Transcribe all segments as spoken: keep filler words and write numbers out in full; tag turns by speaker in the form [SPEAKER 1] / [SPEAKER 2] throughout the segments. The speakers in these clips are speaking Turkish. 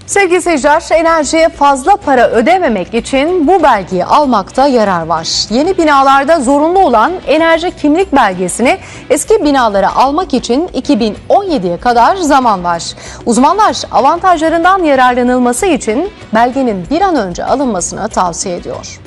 [SPEAKER 1] Sevgili seyirciler, enerjiye fazla para ödememek için bu belgeyi almakta yarar var. Yeni binalarda zorunlu olan enerji kimlik belgesini eski binalara almak için iki bin on yediye kadar zaman var. Uzmanlar avantajlarından yararlanılması için belgenin bir an önce alınmasını tavsiye ediyor.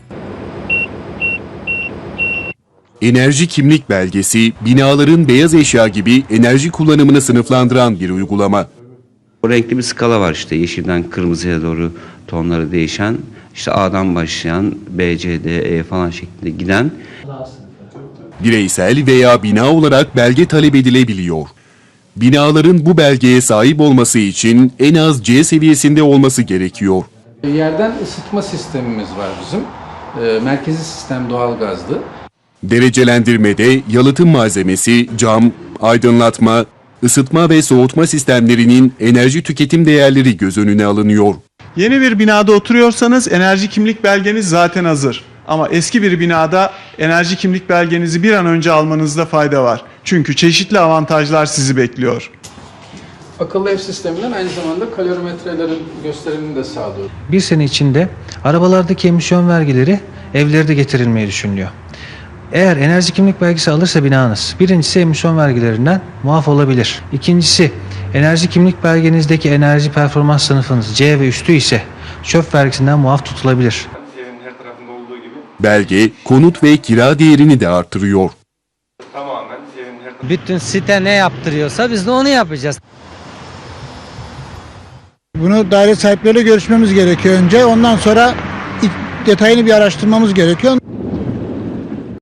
[SPEAKER 2] Enerji kimlik belgesi, binaların beyaz eşya gibi enerji kullanımını sınıflandıran bir uygulama.
[SPEAKER 3] O renkli bir skala var, işte yeşilden kırmızıya doğru tonları değişen, işte A'dan başlayan B, C, D, E falan şeklinde giden.
[SPEAKER 2] Bireysel veya bina olarak belge talep edilebiliyor. Binaların bu belgeye sahip olması için en az C seviyesinde olması gerekiyor.
[SPEAKER 4] Yerden ısıtma sistemimiz var bizim. E, merkezi sistem doğalgazlı.
[SPEAKER 2] Derecelendirmede yalıtım malzemesi, cam, aydınlatma, ısıtma ve soğutma sistemlerinin enerji tüketim değerleri göz önüne alınıyor.
[SPEAKER 5] Yeni bir binada oturuyorsanız enerji kimlik belgeniz zaten hazır. Ama eski bir binada enerji kimlik belgenizi bir an önce almanızda fayda var. Çünkü çeşitli avantajlar sizi bekliyor.
[SPEAKER 4] Akıllı ev sisteminden aynı zamanda kalorimetrelerin gösterimini de sağlıyor.
[SPEAKER 6] Bir sene içinde arabalardaki emisyon vergileri evlere de getirilmeyi düşünülüyor. Eğer enerji kimlik belgesi alırsa binanız, birincisi emisyon vergilerinden muaf olabilir. İkincisi, enerji kimlik belgenizdeki enerji performans sınıfınız C ve üstü ise çöp vergisinden muaf tutulabilir.
[SPEAKER 2] Belge, konut ve kira değerini de artırıyor.
[SPEAKER 7] Bütün site ne yaptırıyorsa biz de onu yapacağız.
[SPEAKER 8] Bunu daire sahipleriyle görüşmemiz gerekiyor önce. Ondan sonra detayını bir araştırmamız gerekiyor.